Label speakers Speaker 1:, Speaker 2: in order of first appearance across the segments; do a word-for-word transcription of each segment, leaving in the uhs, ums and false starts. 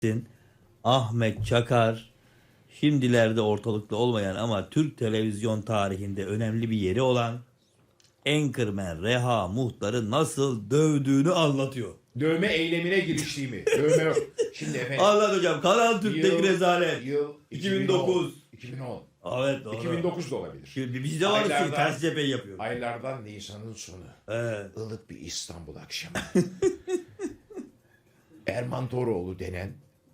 Speaker 1: bahsettin. Ahmet Çakar şimdilerde ortalıkta olmayan ama Türk televizyon tarihinde önemli bir yeri olan Anchorman Reha Muhtar'ı nasıl dövdüğünü anlatıyor.
Speaker 2: Dövme eylemine giriştiğimi. Dövme yok. Şimdi efendim.
Speaker 1: Anlat hocam. Kanal Türk'teki
Speaker 2: Yıl-
Speaker 1: rezalet.
Speaker 2: Yıl
Speaker 1: iki bin dokuz.
Speaker 2: iki bin on.
Speaker 1: Evet doğru.
Speaker 2: iki bin dokuz da olabilir.
Speaker 1: Şimdi bizde var
Speaker 2: Aylardan-
Speaker 1: ki ters cephe yapıyor.
Speaker 2: Aylardan Nisan'ın sonu.
Speaker 1: Evet.
Speaker 2: Ilık bir İstanbul akşamı. Erman Toroğlu denen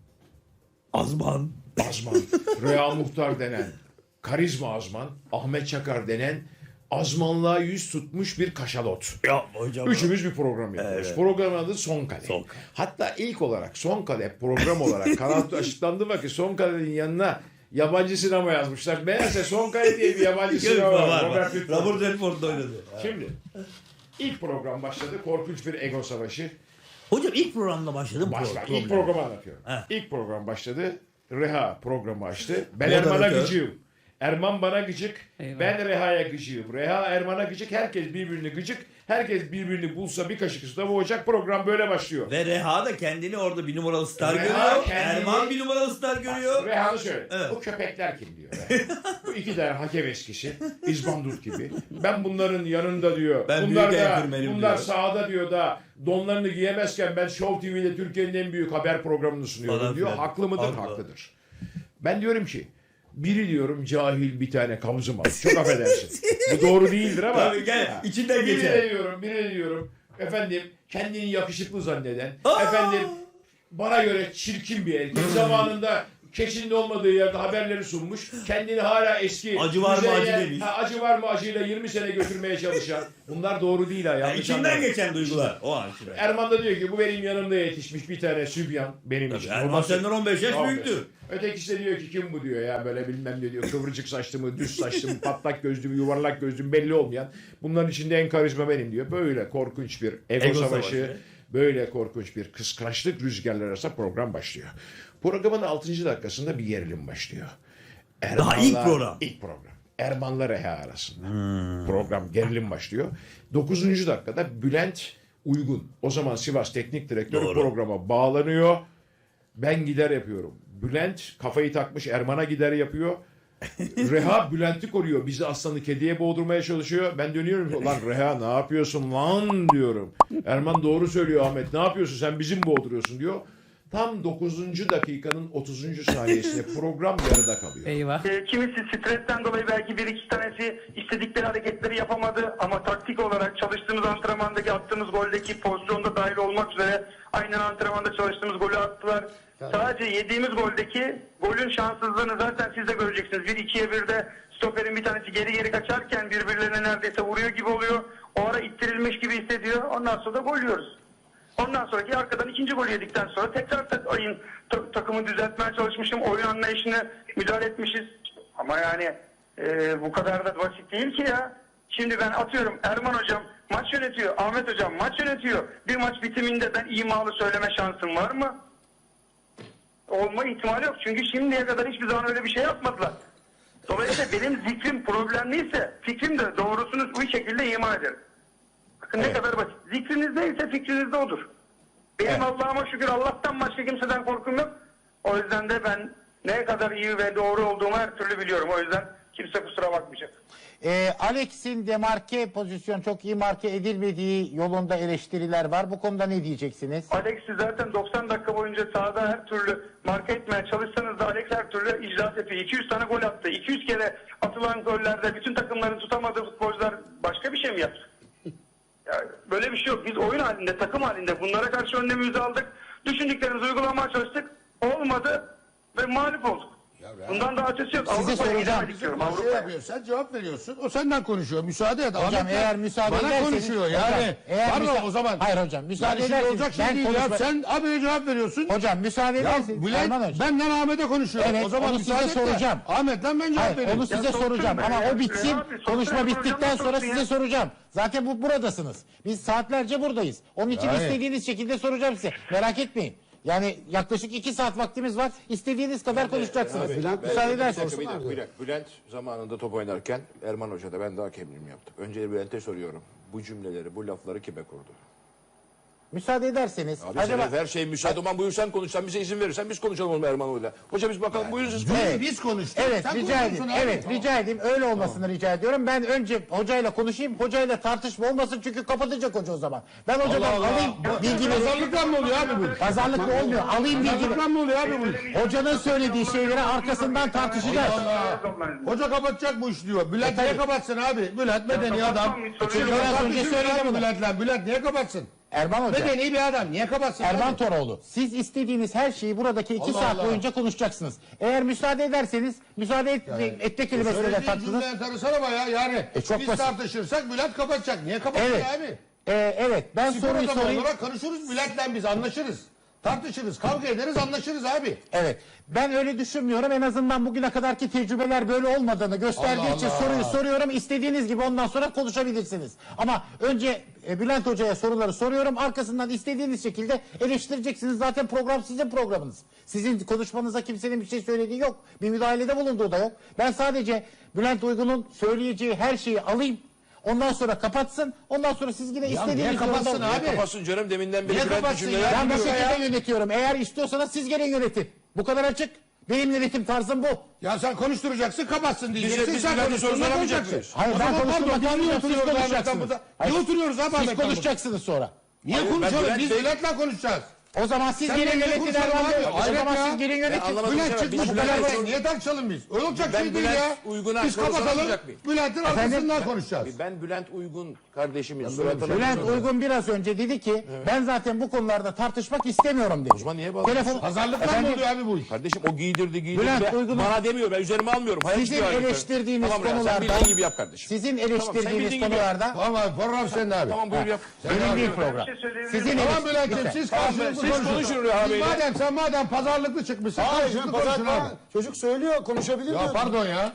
Speaker 1: Azman.
Speaker 2: Azman, Reha Muhtar denen karizma azman, Ahmet Çakar denen azmanlığa yüz tutmuş bir kaşalot.
Speaker 1: Ya hocam.
Speaker 2: Üçümüz bir program yapıyoruz.
Speaker 1: Evet.
Speaker 2: Programın adı Son Kale.
Speaker 1: Son Kale.
Speaker 2: Hatta ilk olarak Son Kale program olarak kanalda açıklandı vakit Son Kale'nin yanına yabancı sinema yazmışlar. Meğerse Son Kale diye bir yabancı sinema var.
Speaker 1: var.
Speaker 2: Robert
Speaker 1: var.
Speaker 2: Redford.
Speaker 1: Robert Redford'da oynadı.
Speaker 2: Şimdi ilk program başladı. Korkunç bir ego savaşı.
Speaker 1: Hocam ilk programda başladım.
Speaker 2: Başla.
Speaker 1: Pro-
Speaker 2: İlk programı anlatıyorum.
Speaker 1: Heh.
Speaker 2: İlk program başladı. Reha programı açtı. Ben
Speaker 1: Moderatör.
Speaker 2: Erman'a gıcığım. Erman bana gıcık.
Speaker 3: Eyvah.
Speaker 2: Ben Reha'ya gıcığım. Reha Erman'a gıcık. Herkes birbirini gıcık. Herkes birbirini bulsa bir kaşık ıslama boğacak. Program böyle başlıyor.
Speaker 1: Ve Reha da kendini orada bir numaralı star
Speaker 2: Reha
Speaker 1: görüyor.
Speaker 2: kendini-
Speaker 1: Erman bir numaralı star görüyor.
Speaker 2: Reha'nı şöyle.
Speaker 1: Evet.
Speaker 2: Bu köpekler kim diyor. Reha. Bu iki tane hakem eskisi. İzbandut gibi. Ben bunların yanında diyor.
Speaker 1: Ben
Speaker 2: bunlar
Speaker 1: büyük
Speaker 2: da,
Speaker 1: enkırmenim
Speaker 2: bunlar
Speaker 1: diyor.
Speaker 2: sahada diyor da donlarını giyemezken ben Show T V'de Türkiye'nin en büyük haber programını sunuyorum
Speaker 1: Falan
Speaker 2: diyor.
Speaker 1: filan.
Speaker 2: Haklı mıdır?
Speaker 1: Haklı.
Speaker 2: Haklıdır. Ben diyorum ki biri diyorum cahil bir tane kavzım var. Çok affedersin. Bu doğru değildir ama.
Speaker 1: Tabii, gel, içinden
Speaker 2: biri
Speaker 1: geçer.
Speaker 2: de diyorum, biri de diyorum. Efendim kendini yakışıklı zanneden.
Speaker 1: Aa!
Speaker 2: Efendim bana göre çirkin bir erkek. Zamanında keçinin olmadığı yerde haberleri sunmuş. Kendini hala eski.
Speaker 1: Acı var mı,
Speaker 2: müzeye-
Speaker 1: acı demiş.
Speaker 2: Ha, acı var mı acıyla yirmi sene götürmeye çalışan. Bunlar doğru değil ha.
Speaker 1: Yani
Speaker 2: Yanlış
Speaker 1: içinden
Speaker 2: anlama.
Speaker 1: geçen duygular. O an şimdi.
Speaker 2: Erman da diyor ki bu benim yanımda yetişmiş bir tane sübyan benim için.
Speaker 1: Erman
Speaker 2: Babası-
Speaker 1: senden on beş yaş
Speaker 2: on beş.
Speaker 1: büyüktü.
Speaker 2: Ötekisi de diyor ki kim bu diyor ya böyle bilmem ne diyor. Kıvırcık saçlı mı, düz saçlı mı, patlak gözlü mü, yuvarlak gözlü mü belli olmayan. Bunların içinde en karizma benim diyor. Böyle korkunç bir ego,
Speaker 1: Ego
Speaker 2: savaşı,
Speaker 1: savaşı.
Speaker 2: böyle korkunç bir kıskançlık rüzgarları arasında program başlıyor. Programın altıncı dakikasında bir gerilim başlıyor.
Speaker 1: Daha ilk program.
Speaker 2: İlk program. Erman'la Reha arasında. Program gerilim başlıyor. Dokuzuncu dakikada Bülent Uygun. O zaman Sivas Teknik Direktörü
Speaker 1: Doğru.
Speaker 2: programa bağlanıyor. Ben gider yapıyorum. Bülent kafayı takmış Erman'a gider yapıyor. Reha Bülent'i koruyor. Bizi aslanı kediye boğdurmaya çalışıyor. Ben dönüyorum. Lan Reha ne yapıyorsun lan diyorum. Erman doğru söylüyor Ahmet. Ne yapıyorsun sen bizi mi boğduruyorsun diyor. Tam dokuzuncu dakikanın otuzuncu saniyesinde program yarıda kalıyor.
Speaker 3: Eyvah.
Speaker 4: E, kimisi stresten dolayı belki bir iki tanesi istedikleri hareketleri yapamadı ama taktik olarak çalıştığımız antrenmandaki attığımız goldeki pozisyonda dahil olmak üzere aynen antrenmanda çalıştığımız golü attılar. Sadece yediğimiz goldeki golün şanssızlığını zaten siz de göreceksiniz. Bir ikiye birde stoperin bir tanesi geri geri kaçarken birbirlerine neredeyse vuruyor gibi oluyor. O ara ittirilmiş gibi hissediyor. Ondan sonra da gol yiyoruz. Ondan sonraki arkadan ikinci golü yedikten sonra tekrar tak, ayın ta- takımı düzeltmeye çalışmışım. Oyun anlayışına müdahale etmişiz. Ama yani e, bu kadar da basit değil ki ya. Şimdi ben atıyorum Erman hocam maç yönetiyor. Ahmet hocam maç yönetiyor. Bir maç bitiminde ben imalı söyleme şansım var mı? Olma ihtimali yok. Çünkü şimdiye kadar hiçbir zaman öyle bir şey yapmadılar. Dolayısıyla benim zikrim problemliyse fikrim de doğrusunu bu şekilde ima ederim. Bakın ne
Speaker 2: Evet.
Speaker 4: kadar basit. Zikriniz neyse fikriniz de odur. Benim
Speaker 2: Evet.
Speaker 4: Allah'ıma şükür Allah'tan başka kimseden korkum yok. O yüzden de ben ne kadar iyi ve doğru olduğumu her türlü biliyorum. O yüzden kimse kusura bakmayacak.
Speaker 5: Ee, Alex'in demarke pozisyon çok iyi marke edilmediği yolunda eleştiriler var. Bu konuda ne diyeceksiniz?
Speaker 4: Alex'i zaten doksan dakika boyunca sahada her türlü marka etmeye çalışsanız da Alex her türlü icraat yapıyor. iki yüz tane gol attı. iki yüz kere atılan gollerde bütün takımların tutamadığı futbolcular başka bir şey mi yaptı? Yani böyle bir şey yok. Biz oyun halinde, takım halinde bunlara karşı önlemimizi aldık. Düşündüklerimizi uygulamaya çalıştık. Olmadı ve mağlup olduk. Bundan daha ötesi yok.
Speaker 5: Size
Speaker 4: Avrupa'ya
Speaker 5: soracağım.
Speaker 4: gidemedik diyorum.
Speaker 6: Şey
Speaker 4: Avrupa'ya.
Speaker 6: yapıyor, sen cevap veriyorsun. O senden konuşuyor. Müsaade et.
Speaker 5: Hocam
Speaker 6: Ahmet
Speaker 5: eğer
Speaker 6: Bey
Speaker 5: müsaade
Speaker 6: bana
Speaker 5: ederseniz...
Speaker 6: konuşuyor
Speaker 5: Hocam,
Speaker 6: yani.
Speaker 5: eğer
Speaker 6: Pardon
Speaker 5: müsa-
Speaker 6: o zaman.
Speaker 5: Hayır hocam müsaade
Speaker 6: Yani şimdi
Speaker 5: ederseniz
Speaker 6: olacak şey
Speaker 5: ben
Speaker 6: değil ya.
Speaker 5: konuşma...
Speaker 6: Sen abiye cevap veriyorsun.
Speaker 5: Hocam müsaade
Speaker 6: Ya
Speaker 5: ederseniz
Speaker 6: Bülent
Speaker 5: Erman hocam.
Speaker 6: benden Ahmet'e konuşuyor.
Speaker 5: Evet,
Speaker 6: o zaman
Speaker 5: onu
Speaker 6: müsaade
Speaker 5: size
Speaker 6: et de
Speaker 5: soracağım.
Speaker 6: Ahmet'ten ben cevap
Speaker 5: Hayır,
Speaker 6: vereyim.
Speaker 5: onu size
Speaker 4: Ya
Speaker 5: soracağım
Speaker 4: sorsun
Speaker 5: ama
Speaker 4: be.
Speaker 5: o bitsin.
Speaker 4: Ya abi, sorsun,
Speaker 5: Konuşma
Speaker 4: sorsun,
Speaker 5: bittikten
Speaker 4: sorsun
Speaker 5: sonra
Speaker 4: ya.
Speaker 5: size soracağım. Zaten bu buradasınız. Biz saatlerce buradayız. Onun için
Speaker 6: Yani.
Speaker 5: istediğiniz şekilde soracağım size. Merak etmeyin. Yani yaklaşık iki saat vaktimiz var. İstediğiniz kadar konuşacaksınız. Müsaade ederseniz.
Speaker 7: Bir dakika, bir dakika. Bülent zamanında top oynarken Erman Hoca da ben daha hakemliğimi yaptım. Önce Bülent'e soruyorum. Bu cümleleri, bu lafları kime kurdu?
Speaker 5: müsaade ederseniz
Speaker 7: Abi
Speaker 5: acaba
Speaker 7: sen her şey müsaade. Aman buyur sen konuş. Sen bize izin verirsen biz konuşalım oğlum Erman Hoca'yla. Hoca biz bakalım buyurun siz.
Speaker 5: Evet.
Speaker 6: Biz konuştuk.
Speaker 5: Evet
Speaker 6: Sen
Speaker 5: rica
Speaker 6: konuşuyorsun
Speaker 5: edeyim.
Speaker 6: abi.
Speaker 5: Evet rica edeyim. Öyle olmasını rica ediyorum. Ben önce hocayla konuşayım. Hocayla tartışma olmasın çünkü kapatacak hoca o zaman. Ben hocadan
Speaker 6: Allah Allah.
Speaker 5: alayım bilgileri.
Speaker 6: Pazarlıkla mı oluyor abi bu?
Speaker 5: Pazarlıkla olmuyor. Alayım bilgileri.
Speaker 6: Pazarlıkla mı oluyor abi bu iş?
Speaker 5: Hocanın söylediği şeyleri arkasından tartışacağız.
Speaker 6: Allah. Hoca kapatacak bu iş diyor. Bülent niye kapatsın abi? Bülent medeni adam.
Speaker 5: Çünkü biraz önce söyledim bunu.
Speaker 6: Bülent'le. Bülent niye kapatsın?
Speaker 5: Erman Hoca.
Speaker 6: Medeni bir adam. Niye kapatsın?
Speaker 5: Erman
Speaker 6: abi?
Speaker 5: Toroğlu. Siz istediğiniz her şeyi buradaki iki
Speaker 6: Allah
Speaker 5: saat
Speaker 6: Allah.
Speaker 5: boyunca konuşacaksınız. Eğer müsaade ederseniz, müsaade et, ette kelimesine de
Speaker 6: Söylediğin
Speaker 5: taktınız.
Speaker 6: cümle enteresan ama ya. Yani
Speaker 5: E, çok
Speaker 6: biz
Speaker 5: basit.
Speaker 6: tartışırsak Bülent kapatacak. Niye kapatsın
Speaker 5: Evet.
Speaker 6: abi?
Speaker 5: Ee, evet ben
Speaker 6: Spor
Speaker 5: soruyu
Speaker 6: adamı
Speaker 5: sorayım.
Speaker 6: olarak konuşuruz. Bülent'le biz anlaşırız. Tartışırız, kavga ederiz, anlaşırız abi.
Speaker 5: Evet. Ben öyle düşünmüyorum. En azından bugüne kadarki tecrübeler böyle olmadığını gösterdiği
Speaker 6: Allah
Speaker 5: için
Speaker 6: Allah.
Speaker 5: soruyu soruyorum. İstediğiniz gibi ondan sonra konuşabilirsiniz. Ama önce e, Bülent Hoca'ya soruları soruyorum. Arkasından istediğiniz şekilde eleştireceksiniz. Zaten program sizin programınız. Sizin konuşmanıza kimsenin bir şey söylediği yok. Bir müdahalede bulunduğu da yok. Ben sadece Bülent Uygun'un söyleyeceği her şeyi alayım. Ondan sonra kapatsın. Ondan sonra siz yine
Speaker 6: niye
Speaker 5: istediğiniz
Speaker 6: kapatsın
Speaker 5: yorumda-
Speaker 6: abi?
Speaker 7: Kapatsın canım deminden beri
Speaker 6: Niye
Speaker 7: Bülent'in
Speaker 6: kapatsın
Speaker 7: cümleler
Speaker 6: ya?
Speaker 5: Ben bu
Speaker 7: dinliyor.
Speaker 5: şekilde yönetiyorum. Eğer istiyorsanız siz gene yönetin. Bu kadar açık. Benim yönetim tarzım bu.
Speaker 6: Ya sen konuşturacaksın, kapatsın diyeceksin.
Speaker 7: biz
Speaker 6: sen
Speaker 7: Bülent'e soru
Speaker 6: konuşturma
Speaker 7: soramayacak
Speaker 6: konuşacaksın.
Speaker 7: mıyız?
Speaker 5: Hayır,
Speaker 6: O
Speaker 5: ben
Speaker 6: zaman
Speaker 5: konuşturmak
Speaker 6: pardon, biz niye
Speaker 5: istemiyorum, siz
Speaker 6: oturuyoruz Ahmet
Speaker 5: konuşacaksınız.
Speaker 6: Hamur'da?
Speaker 5: Hayır.
Speaker 6: Niye oturuyoruz abi
Speaker 5: Siz
Speaker 6: Ahmet Hamur'da?
Speaker 5: konuşacaksınız sonra.
Speaker 6: Niye
Speaker 7: Hayır, ben
Speaker 6: konuşalım?
Speaker 7: Bülent
Speaker 6: Biz
Speaker 7: Bey-
Speaker 6: Bülent'le konuşacağız.
Speaker 5: O zaman siz
Speaker 6: Sen
Speaker 5: gelin
Speaker 6: benimle
Speaker 5: yönetin
Speaker 6: konuşalım
Speaker 5: Erman
Speaker 6: abi.
Speaker 5: Bey. O
Speaker 6: Hayret
Speaker 5: zaman
Speaker 6: ya.
Speaker 5: siz gelin yönetin.
Speaker 7: anlamadım.
Speaker 6: Bülent
Speaker 7: Biz
Speaker 6: çıkmış bu
Speaker 7: Bülent'e
Speaker 6: kadar
Speaker 7: soru-
Speaker 6: var. Niye tartışalım biz? Öyle olacak
Speaker 7: Ben
Speaker 6: şey değil
Speaker 7: Bülent
Speaker 6: ya.
Speaker 7: Uygun'a
Speaker 6: Biz
Speaker 7: soru
Speaker 6: kapatalım.
Speaker 7: sormayacak mıyım?
Speaker 6: Bülent'in arkasından konuşacağız.
Speaker 7: Ben Bülent Uygun kardeşimin
Speaker 6: böyle bir
Speaker 7: suratına...
Speaker 6: şey-
Speaker 5: Bülent Uygun biraz önce dedi ki ben zaten bu konularda tartışmak istemiyorum dedi. O
Speaker 7: zaman niye bağırıyorsun?
Speaker 5: Telefon...
Speaker 6: Pazarlıkla mı
Speaker 5: Efendim,
Speaker 6: oluyor abi bu iş?
Speaker 7: Kardeşim o giydirdi giydirdi.
Speaker 5: Bülent
Speaker 7: Ben-
Speaker 5: Uygun'un-
Speaker 7: Bana demiyor ben üzerime almıyorum. Hayır,
Speaker 5: Sizin
Speaker 7: hiçbir hayır.
Speaker 5: eleştirdiğiniz
Speaker 7: Tamam Bülent,
Speaker 5: konularda...
Speaker 7: Sen bildiğin gibi yap kardeşim.
Speaker 5: Sizin
Speaker 7: Tamam, sen
Speaker 5: eleştirdiğiniz
Speaker 7: bildiğin gibi
Speaker 5: konularda...
Speaker 6: Tamam abi program senin abi.
Speaker 7: Tamam buyur yap.
Speaker 5: Benim değil program.
Speaker 4: Bir şey söyleyebilir
Speaker 5: Sizin
Speaker 4: miyim?
Speaker 6: Tamam Bülent'ciğim
Speaker 5: Lütfen.
Speaker 6: siz
Speaker 7: Tamam,
Speaker 6: karşılıklı
Speaker 7: siz
Speaker 6: konuşun.
Speaker 7: konuşun Rüya
Speaker 6: Siz
Speaker 7: Bey'le.
Speaker 6: madem sen madem pazarlıklı çıkmışsın karşılıklı konuşun abi.
Speaker 3: Çocuk söylüyor konuşabilir
Speaker 6: Ya
Speaker 3: diyor.
Speaker 6: pardon ya.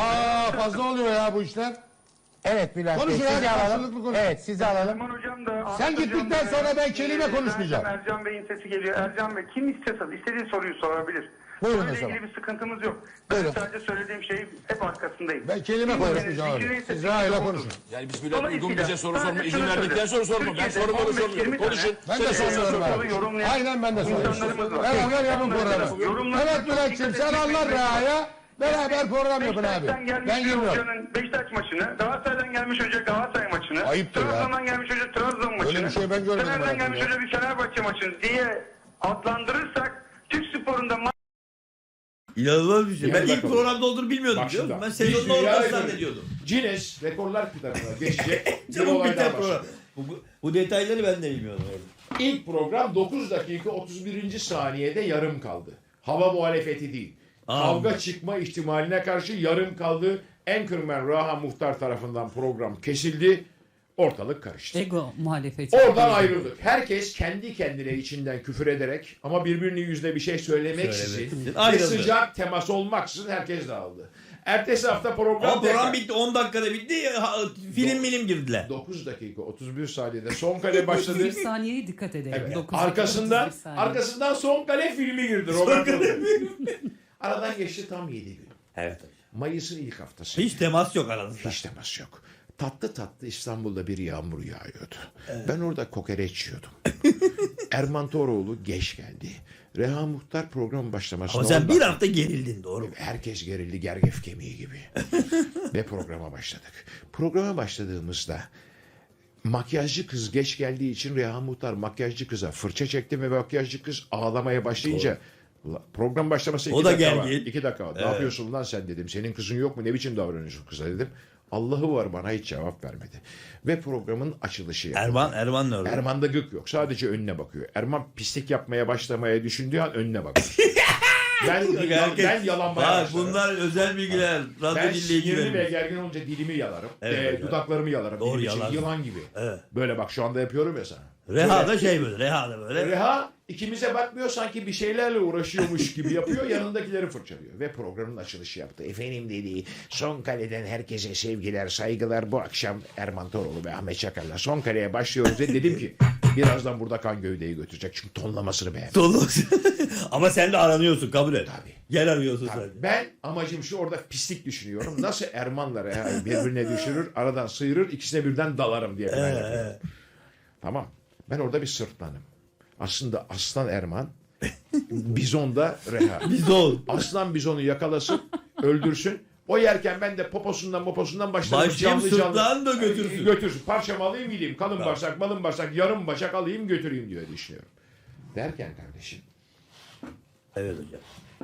Speaker 6: Aa fazla oluyor ya bu işler.
Speaker 5: Evet Bülent Bey
Speaker 6: Konuşun
Speaker 5: sizi
Speaker 6: abi,
Speaker 5: alalım.
Speaker 6: karşılıklı konuşun.
Speaker 5: Evet sizi alalım.
Speaker 4: Erman hocam da...
Speaker 6: Sen
Speaker 4: Ahmet
Speaker 6: gittikten
Speaker 4: hocam da-
Speaker 6: sonra ben kelime
Speaker 4: Ee,
Speaker 6: konuşmayacağım.
Speaker 4: Ercan Bey'in sesi geliyor. Ercan Bey kim istiyorsa istediği soruyu sorabilir.
Speaker 5: Buyurun
Speaker 4: Bununla
Speaker 5: o zaman.
Speaker 4: ilgili bir sıkıntımız yok.
Speaker 5: Buyurun.
Speaker 4: Ben sadece söylediğim şey hep arkasındayım.
Speaker 6: Ben kelime
Speaker 4: Kimsenin
Speaker 6: konuşmayacağım abi.
Speaker 4: fikrinin
Speaker 6: Siz
Speaker 4: sesi
Speaker 6: Raha'yla
Speaker 4: odur.
Speaker 6: konuşun.
Speaker 7: Yani biz Bülent Uygun bize soru sorma izin verdikten sonra sorma. Ben
Speaker 4: Türkiye'de
Speaker 7: sorumu da
Speaker 4: on beş
Speaker 7: sormuyorum.
Speaker 4: yirmi
Speaker 7: Konuşun.
Speaker 6: Ben
Speaker 7: Sen
Speaker 6: de
Speaker 7: de sor
Speaker 6: soruyorum
Speaker 7: sor.
Speaker 6: abi.
Speaker 4: yorumlayan
Speaker 6: Aynen ben de soruyorum.
Speaker 4: insanlarımız var.
Speaker 6: Beraber yapın programı.
Speaker 4: Yorumlar-
Speaker 6: Evet Bülent'ciğim sen anlar Raha'ya. Beraber program yapın abi.
Speaker 4: Beşiktaş'tan gelmiş
Speaker 6: Ben
Speaker 4: bir
Speaker 6: girmiyorum.
Speaker 4: hocanın Beşiktaş maçını, Galatasaray'dan gelmiş hoca Galatasaray maçını,
Speaker 6: Ayıptır ya.
Speaker 4: Trabzon'dan gelmiş hoca Trabzon maçını,
Speaker 6: bir şey ben görmedim
Speaker 4: Fener'den
Speaker 6: hayatımda
Speaker 4: gelmiş
Speaker 6: ya.
Speaker 4: hoca bir Fenerbahçe maçını diye adlandırırsak Türk sporunda ma-
Speaker 1: İnanılmaz bir şey.
Speaker 2: Yani
Speaker 1: Ben ilk
Speaker 2: bakalım.
Speaker 1: programda olduğunu bilmiyordum.
Speaker 2: Bak
Speaker 1: biliyor
Speaker 2: şimdi.
Speaker 1: musun? Ben
Speaker 2: Biz
Speaker 1: sezonun
Speaker 2: dünya
Speaker 1: ortasını
Speaker 2: rekoru-
Speaker 1: zannediyordum.
Speaker 2: Guinness Rekorlar kitabına geçecek bir
Speaker 1: Çabuk
Speaker 2: olay
Speaker 1: biter
Speaker 2: daha
Speaker 1: program.
Speaker 2: başladı.
Speaker 1: Bu, bu, bu detayları ben de bilmiyordum. Evet.
Speaker 2: İlk program dokuz dakika otuz birinci saniyede yarım kaldı. Hava muhalefeti değil.
Speaker 1: Aa.
Speaker 2: Kavga çıkma ihtimaline karşı yarım kaldı. Anchorman Raha Muhtar tarafından program kesildi. Ortalık karıştı.
Speaker 8: Ego muhalefeti.
Speaker 2: Oradan ayrıldık. Herkes kendi kendine içinden küfür ederek ama birbirinin yüzüne bir şey söylemeksizin
Speaker 1: Söylemeksizin
Speaker 2: ve
Speaker 1: ayrıldı.
Speaker 2: sıcak temas olmaksızın herkes dağıldı. Ertesi hafta program
Speaker 1: Ama program
Speaker 2: tekrar.
Speaker 1: bitti. on dakikada bitti. Ha, film milim girdiler.
Speaker 2: dokuz dakika otuz bir saniyede son kale başladı.
Speaker 8: Bir saniyeye dikkat edelim.
Speaker 2: Evet.
Speaker 8: dokuz dakika,
Speaker 2: Arkasından
Speaker 8: otuz bir saniye.
Speaker 2: arkasından son kale filmi girdi. Roberto. Aradan geçti tam yedi gün.
Speaker 1: Evet.
Speaker 2: Mayıs'ın ilk haftası.
Speaker 1: Hiç temas yok aranızda.
Speaker 2: Hiç temas yok. Tatlı tatlı İstanbul'da bir yağmur yağıyordu. Ben orada kokoreç yiyordum. Erman Toroğlu geç geldi. Reha Muhtar program başlamasına
Speaker 1: Ama sen
Speaker 2: on
Speaker 1: bir
Speaker 2: dakika-
Speaker 1: hafta gerildin doğru mu?
Speaker 2: Herkes gerildi gergef kemiği gibi. Ve programa başladık. Programa başladığımızda makyajcı kız geç geldiği için Reha Muhtar makyajcı kıza fırça çekti ve makyajcı kız ağlamaya başlayınca "Ulan program başlaması iki
Speaker 1: O da
Speaker 2: dakika var.
Speaker 1: gergin.
Speaker 2: İki dakika var. Ne
Speaker 1: Evet.
Speaker 2: yapıyorsun lan sen dedim. Senin kızın yok mu? Ne biçim davranıyorsun kıza dedim. Allah'ı var bana hiç cevap vermedi. Ve programın açılışı yapıldı.
Speaker 1: Erman, Erman ne oldu?
Speaker 2: Erman'da gık yok. Sadece önüne bakıyor. Erman pislik yapmaya başlamaya düşündüğü an önüne bakıyor. ben,
Speaker 1: Herkes-
Speaker 2: ben yalanmaya
Speaker 1: Bak
Speaker 2: başlarım.
Speaker 1: bunlar özel bilgiler. Radyo
Speaker 2: Ben
Speaker 1: dinleyici
Speaker 2: sinirli ve
Speaker 1: vermiş.
Speaker 2: gergin olunca dilimi yalarım.
Speaker 1: Evet,
Speaker 2: Ee,
Speaker 1: evet.
Speaker 2: dudaklarımı yalarım.
Speaker 1: Doğru,
Speaker 2: Dilim için
Speaker 1: yalarsın.
Speaker 2: yılan gibi.
Speaker 1: Evet.
Speaker 2: Böyle bak şu anda yapıyorum ya sana.
Speaker 1: Reha da
Speaker 2: Böyle.
Speaker 1: şey böyle. Reha da böyle.
Speaker 2: Reha ikimize bakmıyor sanki bir şeylerle uğraşıyormuş gibi yapıyor. Yanındakileri fırçalıyor. Ve programın açılışı yaptı. Efendim dedi son kaleden herkese sevgiler saygılar. Bu akşam Erman Toroğlu ve Ahmet Çakar'la son kaleye başlıyoruz. Ve dedim ki birazdan burada kan gövdeyi götürecek. Çünkü tonlamasını beğendim.
Speaker 1: Dolu. Ama sen de aranıyorsun kabul et.
Speaker 2: Tabii.
Speaker 1: Yer arıyorsun
Speaker 2: Tabii.
Speaker 1: sen.
Speaker 2: Ben amacım şu orada pislik düşünüyorum. Nasıl Erman'la Reha'yı birbirine düşürür, aradan sıyırır, ikisine birden dalarım diye plan yapıyorum. Tamam. Ben orada bir sırtlanım. Aslında Aslan Erman, Bizon'da Reha.
Speaker 1: Bizon.
Speaker 2: Aslan bizonu yakalasın, öldürsün. O yerken ben de poposundan poposundan başlarım.
Speaker 1: Başlayayım sırtlan da götürsün.
Speaker 2: Götürsün. Parçamı alayım gideyim. Kalın bağırsak, malın bağırsak, yarım başak alayım götüreyim diye düşünüyorum. Derken kardeşim
Speaker 1: Evet hocam.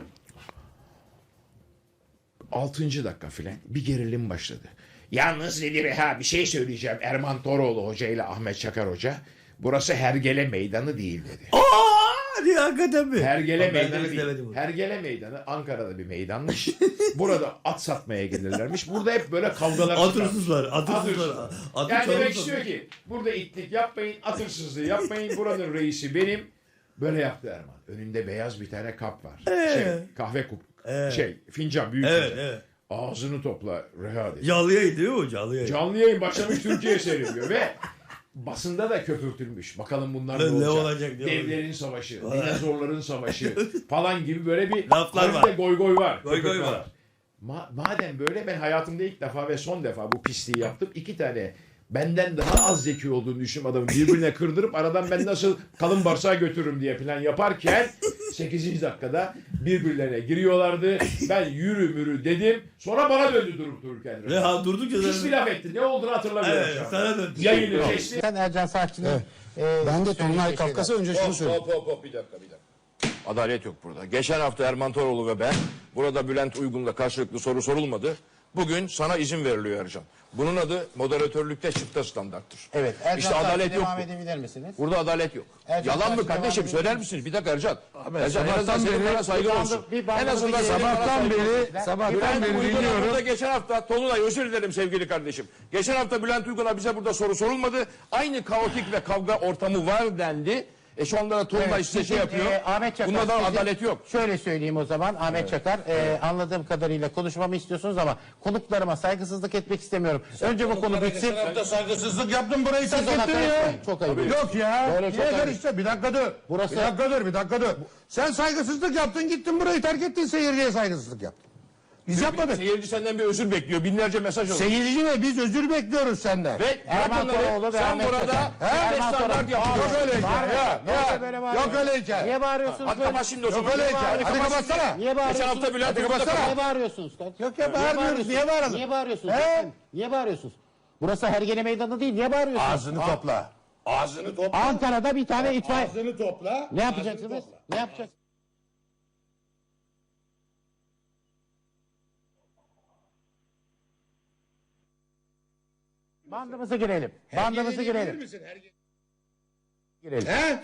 Speaker 2: altıncı dakika filan bir gerilim başladı. Yalnız dedi Reha bir şey söyleyeceğim. Erman Toroğlu Hoca ile Ahmet Çakar Hoca. Burası Hergele Meydanı değil dedi.
Speaker 1: Aa, hakikaten mi?
Speaker 2: Hergele
Speaker 1: Ben de
Speaker 2: Meydanı
Speaker 1: izlemedim
Speaker 2: değil.
Speaker 1: bunu.
Speaker 2: Hergele Meydanı Ankara'da bir meydanmış. Burada at satmaya gelirlermiş. Burada hep böyle kavgalar
Speaker 1: At
Speaker 2: çıkarmış.
Speaker 1: hırsızlar, at hırsızlar.
Speaker 2: At
Speaker 1: Atı
Speaker 2: Yani
Speaker 1: çalıp
Speaker 2: demek
Speaker 1: satıyor.
Speaker 2: istiyor ki burada itlik yapmayın, at hırsızlığı yapmayın. Buranın reisi benim. Böyle yaptı Erman. Önünde beyaz bir tane kap var. Şey, kahve kup. Şey, fincan, büyük
Speaker 1: Evet,
Speaker 2: fincan.
Speaker 1: evet.
Speaker 2: Ağzını topla Reha dedi.
Speaker 1: Canlı yayın değil mi o canlı yayın?
Speaker 2: Canlı yayın başlamış Türkiye seyrediyor ve basında da köpürtülmüş. Bakalım bunlar ne,
Speaker 1: Ne
Speaker 2: olacak?
Speaker 1: olacak, ne
Speaker 2: Devlerin savaşı, dinozorların savaşı falan gibi böyle bir
Speaker 1: Laflar
Speaker 2: hafif de
Speaker 1: var.
Speaker 2: goy goy var.
Speaker 1: Goy goy
Speaker 2: köpürtme
Speaker 1: var.
Speaker 2: Ma- madem böyle ben hayatımda ilk defa ve son defa bu pisliği yaptım. İki tane benden daha az zeki olduğunu düşündüğüm adamı birbirine kırdırıp aradan ben nasıl kalın bağırsağa götürürüm diye plan yaparken sekizinci dakikada birbirlerine giriyorlardı. Ben yürü mürü dedim. Sonra bana döndü durup dururken.
Speaker 1: Reha durdukça
Speaker 2: Pis bir
Speaker 1: zaten...
Speaker 2: laf etti. Ne olduğunu hatırlamıyorum
Speaker 1: Evet,
Speaker 2: şu anda.
Speaker 1: sana döndü.
Speaker 2: Yayını kesti.
Speaker 5: Sen Ercan Saatçı'nın... e,
Speaker 6: Ben de
Speaker 5: söylediği
Speaker 6: Tonlay
Speaker 5: şeyler.
Speaker 6: Kafkas'a önce şunu söyleyeyim.
Speaker 7: Hop hop hop bir dakika bir dakika. Adalet yok burada. Geçen hafta Erman Toroğlu ve ben burada Bülent Uygun'la karşılıklı soru sorulmadı. Bugün sana izin veriliyor Ercan. Bunun adı moderatörlükte çıkta standarttır.
Speaker 5: Evet. Ercan
Speaker 7: İşte
Speaker 5: Saatçı
Speaker 7: adalet yok.
Speaker 5: devam
Speaker 7: bu.
Speaker 5: edebilir misiniz?
Speaker 7: Burada adalet yok.
Speaker 5: Ercan
Speaker 7: Yalan mı
Speaker 5: Saatçı
Speaker 7: kardeşim?
Speaker 5: devam
Speaker 7: Söyler
Speaker 5: edebilir
Speaker 7: misiniz? Bir dakika Ercan. Ercan en
Speaker 6: sabahtan
Speaker 7: azından senin
Speaker 6: beri-
Speaker 7: bana saygın
Speaker 5: bir bandı-
Speaker 7: olsun.
Speaker 5: bir bandı-
Speaker 7: En azından
Speaker 5: bir
Speaker 7: senin bana
Speaker 6: Sabahtan
Speaker 7: saygın olsun.
Speaker 6: beri,
Speaker 5: Ben-
Speaker 6: sabahtan
Speaker 7: Bülent
Speaker 6: beri
Speaker 7: Uygun'a
Speaker 6: dinliyorum.
Speaker 7: burada geçen hafta Tolunay özür dilerim sevgili kardeşim. Geçen hafta Bülent Uygun'a bize burada soru sorulmadı. Aynı kaotik ve kavga ortamı var dendi. E şu anda da Tolunay
Speaker 5: Evet,
Speaker 7: size
Speaker 5: sizin,
Speaker 7: şey yapıyor.
Speaker 5: e, Ahmet Çakar,
Speaker 7: Bunda da
Speaker 5: sizin-
Speaker 7: adalet yok.
Speaker 5: Şöyle söyleyeyim o zaman Ahmet Çakar. e, anladığım kadarıyla konuşmamı istiyorsunuz ama konuklarıma saygısızlık etmek istemiyorum. Önce bu konu bitsin.
Speaker 6: Sen de saygısızlık yaptın burayı terk
Speaker 5: Siz ona
Speaker 6: ettin ya.
Speaker 5: karışmayın. Çok ayıp.
Speaker 6: Yok ya.
Speaker 5: Böyle çok
Speaker 6: Niye
Speaker 5: ayıp.
Speaker 6: karıştı? Bir dakika dur.
Speaker 5: Burası-
Speaker 6: Bir dakika dur, bir dakika dur. Sen saygısızlık yaptın, gittin burayı terk ettin, seyirciye saygısızlık yaptın. Biz yapmadık.
Speaker 7: Seyirci senden bir özür bekliyor. Binlerce mesaj oldu.
Speaker 6: Seyirci ve biz özür bekliyoruz senden.
Speaker 7: Ve
Speaker 5: Erman
Speaker 7: bırak
Speaker 5: Toroğlu
Speaker 7: onları.
Speaker 5: ve
Speaker 7: Sen
Speaker 5: Ahmet
Speaker 7: burada
Speaker 5: Çakar.
Speaker 7: her
Speaker 5: Erman
Speaker 7: standart
Speaker 5: Toroğlu.
Speaker 7: yapıyorsun.
Speaker 6: Yok öyle hikaye.
Speaker 5: Bağırmayın.
Speaker 6: Ya,
Speaker 5: Ne oluyor
Speaker 6: ya.
Speaker 5: böyle
Speaker 6: Yok
Speaker 5: bağırıyorsunuz?
Speaker 6: öyle hikaye.
Speaker 5: Niye bağırıyorsunuz?
Speaker 7: Hadi
Speaker 5: böyle?
Speaker 7: kapat şimdi o zaman.
Speaker 6: Yok öyle hikaye.
Speaker 7: Hadi
Speaker 6: Hadi
Speaker 7: kapat.
Speaker 6: kapatsana.
Speaker 5: Niye
Speaker 7: Geçen
Speaker 5: bağırıyorsunuz?
Speaker 7: hafta Bülent
Speaker 6: Hadi
Speaker 7: Uygun'da
Speaker 6: kapatsana.
Speaker 5: Niye bağırıyorsunuz?
Speaker 6: Yok ya, bağırmıyoruz. Niye bağıralım?
Speaker 5: Niye bağırıyorsunuz?
Speaker 6: He?
Speaker 5: Niye bağırıyorsunuz? Burası Hergele Meydanı değil. Niye bağırıyorsunuz?
Speaker 6: Ağzını topla. Ağzını topla.
Speaker 5: Ankara'da bir tane itfaiye...
Speaker 6: Ağzını topla.
Speaker 5: Ne yapacaksınız? Ne yapacaksınız? Bandımızı girelim. Bandımızı girelim. Girelim.
Speaker 6: He?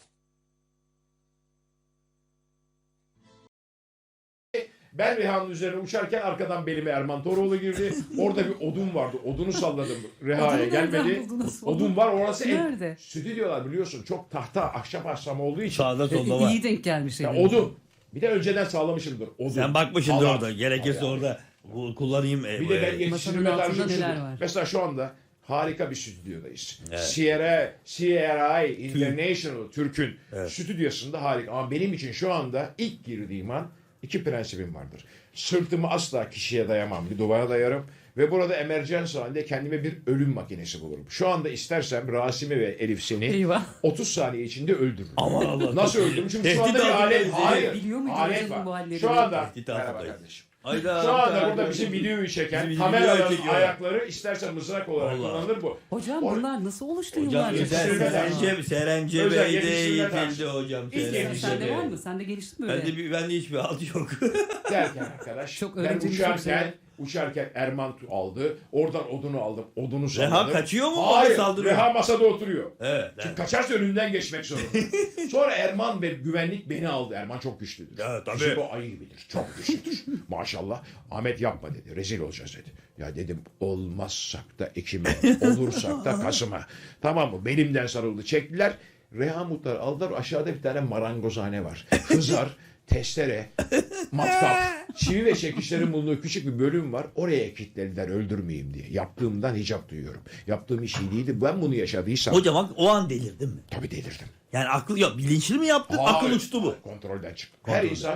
Speaker 2: Ben Reha'nın üzerine uçarken arkadan belime Erman Toroğlu girdi. Orada bir odun vardı. Odunu salladım. Reha'ya
Speaker 8: Odunu nereden
Speaker 2: gelmedi.
Speaker 8: buldunuz?
Speaker 2: Odun var orası.
Speaker 8: Nerede?
Speaker 2: En, stüdyolar biliyorsun çok tahta ahşap ahşam olduğu için.
Speaker 1: Sağda solda var.
Speaker 8: İyi denk gelmiş.
Speaker 2: Ya
Speaker 8: elinize.
Speaker 2: odun. Bir de önceden sağlamışımdır. Odun.
Speaker 1: Sen bakmışsındır
Speaker 2: Halat.
Speaker 1: orada. Gerekirse
Speaker 2: Halat.
Speaker 1: orada bu- kullanayım. e,
Speaker 2: Bir de ben
Speaker 1: e,
Speaker 2: yetiştirme
Speaker 8: Masanın altında
Speaker 2: tarzım
Speaker 8: neler
Speaker 2: şudur.
Speaker 8: var?
Speaker 2: Mesela şu anda harika bir stüdyodayız. Sierra, C R I International Türk'ün stüdyosunda harika. Ama benim için şu anda ilk girdiğim an iki prensibim vardır. Sırtımı asla kişiye dayamam. Bir duvara dayarım. Ve burada emerjans halinde kendime bir ölüm makinesi bulurum. Şu anda istersem Rasim'i ve Elif seni
Speaker 8: Eyvah.
Speaker 2: otuz saniye içinde öldürürüm.
Speaker 1: Aman Allah.
Speaker 2: Nasıl öldürürüm? Çünkü şu
Speaker 1: Tehdit
Speaker 2: anda bir
Speaker 1: altındayız
Speaker 2: alet.
Speaker 1: dedi.
Speaker 2: Hayır.
Speaker 8: Biliyor muydunuz
Speaker 2: Alet
Speaker 8: bu
Speaker 2: var.
Speaker 8: halleri?
Speaker 2: Şu anda.
Speaker 1: Tehdit
Speaker 2: Merhaba
Speaker 1: altındayız.
Speaker 2: kardeşim.
Speaker 1: Hayda.
Speaker 2: Şu anda
Speaker 1: hayda.
Speaker 2: burada bizim videoyu çeken
Speaker 1: Bizim
Speaker 2: kameraların
Speaker 1: videoyu çekiyor.
Speaker 2: ayakları istersen mızrak olarak
Speaker 1: Vallahi.
Speaker 2: kullanılır bu.
Speaker 8: Hocam
Speaker 2: O-
Speaker 8: bunlar nasıl oluştu
Speaker 1: Hocam
Speaker 8: yıllarca?
Speaker 1: özel
Speaker 2: Yetiştirme
Speaker 1: Serence, Serence
Speaker 2: Özel
Speaker 1: Bey'de
Speaker 2: yetiştirme tarzı.
Speaker 1: eğitildi hocam.
Speaker 2: İlk
Speaker 1: Serence
Speaker 2: yetiştirme.
Speaker 8: Sende var mı? Sende gelişti mi öyle?
Speaker 1: Bende, bir, bende hiçbir alt yok.
Speaker 2: Derken arkadaş
Speaker 8: Çok
Speaker 2: ben
Speaker 8: öğrenceli, çok
Speaker 2: uçarken
Speaker 8: severim.
Speaker 2: uçarken Erman tu- aldı. Oradan odunu aldım. Odunu
Speaker 1: Reha
Speaker 2: salladım.
Speaker 1: kaçıyor mu?
Speaker 2: Hayır.
Speaker 1: Bana saldırıyor.
Speaker 2: Reha masada oturuyor.
Speaker 1: Evet.
Speaker 2: Çünkü
Speaker 1: evet.
Speaker 2: kaçarsa önünden geçmek zorunda. Sonra Erman ve güvenlik beni aldı. Erman çok güçlüdür.
Speaker 1: Ya, tabii.
Speaker 2: Bizim o ayı gibidir. Çok güçlüdür. Maşallah. Ahmet yapma dedi. Rezil olacağız dedi. Ya dedim olmazsak da Ekim'e, olursak da Kasım'a. Tamam mı? Belimden sarıldı. Çektiler. Reha Mutlar aldılar. Aşağıda bir tane marangozhane var. Hızar, testere, matkap, çivi ve çekişlerin bulunduğu küçük bir bölüm var. Oraya kilitlediler öldürmeyeyim diye. Yaptığımdan hicap duyuyorum. Yaptığım iş iyi değildi. Ben bunu yaşadıysam
Speaker 1: Hocam bak o an delirdin mi?
Speaker 2: tabii delirdim.
Speaker 1: Yani akıl yok. Bilinçli mi yaptın? Akıl
Speaker 2: Hayır,
Speaker 1: uçtu bu.
Speaker 2: hayır, kontrolden çıktı.
Speaker 1: Kontrolden.
Speaker 2: Her insan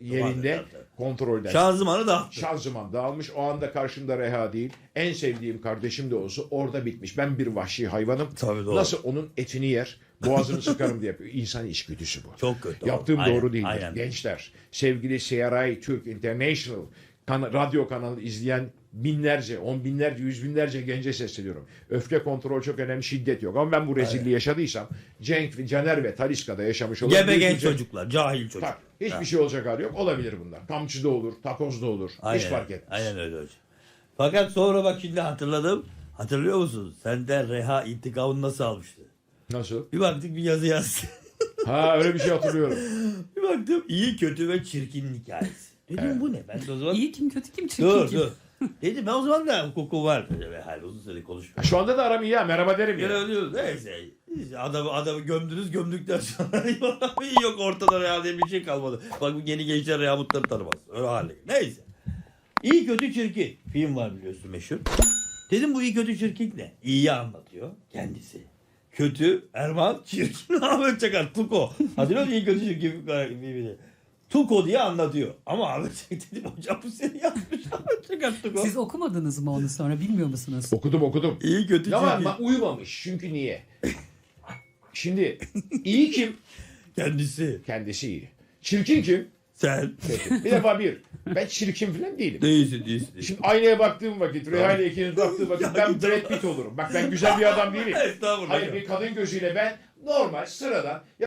Speaker 2: yerinde
Speaker 1: Tabii, tabii.
Speaker 2: kontrolden.
Speaker 1: Şanzımanı da
Speaker 2: Şanzıman dağılmış. O anda karşımda Reha değil. En sevdiğim kardeşim de olsa orada bitmiş. Ben bir vahşi hayvanım.
Speaker 1: Tabii, doğru.
Speaker 2: Nasıl onun etini yer, boğazını sıkarım diye yapıyor. İnsan içgüdüsü bu.
Speaker 1: Çok kötü.
Speaker 2: Yaptığım
Speaker 1: Aynen,
Speaker 2: doğru değildir.
Speaker 1: aynen.
Speaker 2: Gençler, sevgili C R I Türk International kan- radyo kanalı izleyen binlerce, on binlerce, yüz binlerce gence sesleniyorum. Öfke kontrol çok önemli, şiddet yok. Ama ben bu rezilliği yaşadıysam Cenk, Caner ve Taliska'da yaşamış olan
Speaker 1: Gebe
Speaker 2: büyük
Speaker 1: genç
Speaker 2: bir-
Speaker 1: çocuklar, cahil çocuk.
Speaker 2: Tak, hiçbir
Speaker 1: Ha.
Speaker 2: şey olacak hali yok. Olabilir bunlar. Kamçıda olur, takozda olur. Hiç fark etmez.
Speaker 1: Aynen öyle hocam. Fakat sonra bak şimdi hatırladım. Hatırlıyor musun? Senden Reha intikamını nasıl almıştı?
Speaker 2: Nasıl?
Speaker 1: Bir baktık bir yazı yazdı.
Speaker 2: Ha öyle bir şey hatırlıyorum.
Speaker 1: Bir baktım iyi kötü ve çirkin hikayesi. Dedim bu ne? Ben de o zaman
Speaker 8: İyi kim kötü kim çirkin
Speaker 1: dur
Speaker 8: kim?
Speaker 1: dur. Dedim ben o zaman da hukuku var. Ve hal uzun süre konuşmuyor.
Speaker 2: Şu anda da aram iyi ya. Merhaba derim
Speaker 1: Gene
Speaker 2: ya.
Speaker 1: ölüyoruz. Neyse. İşte Adamı, adamı gömdünüz gömdükten sonra iyi yok ortada Reha diye bir şey kalmadı. Bak bu yeni gençler Reha Mutlar'ı tanımaz. Öyle hale. Neyse. İyi kötü çirkin. Film var biliyorsun meşhur. Dedim bu iyi kötü çirkin ne? İyiyi anlatıyor kendisi. Kötü Erman, çirkin Ahmet Çakar. Tuko. Hatırlıyor musun iyi kötü çirkin filmini? Tuko diye anlatıyor. Ama Ahmet Çakar dedim hocam bu seni yazmış Ahmet Çakar Tuko.
Speaker 8: Siz okumadınız mı onu sonra bilmiyor musunuz?
Speaker 2: Okudum okudum.
Speaker 1: İyi kötü
Speaker 2: Ama
Speaker 1: çirkin.
Speaker 2: bak uyumamış. Çünkü niye? Şimdi iyi kim?
Speaker 1: Kendisi.
Speaker 2: Kendisi iyi. Çirkin kim?
Speaker 1: Sen.
Speaker 2: Peki. Bir defa bir. Ben çirkin falan değilim.
Speaker 1: Değilsin değilsin. değilsin.
Speaker 2: Şimdi aynaya baktığım vakit, Reha ile ikiniz baktığım vakit
Speaker 1: Ya
Speaker 2: ben
Speaker 1: git
Speaker 2: Brad Pitt olurum. Bak ben güzel bir adam değilim.
Speaker 1: Estağfurullah.
Speaker 2: Hayır bir kadın gözüyle ben normal sıradan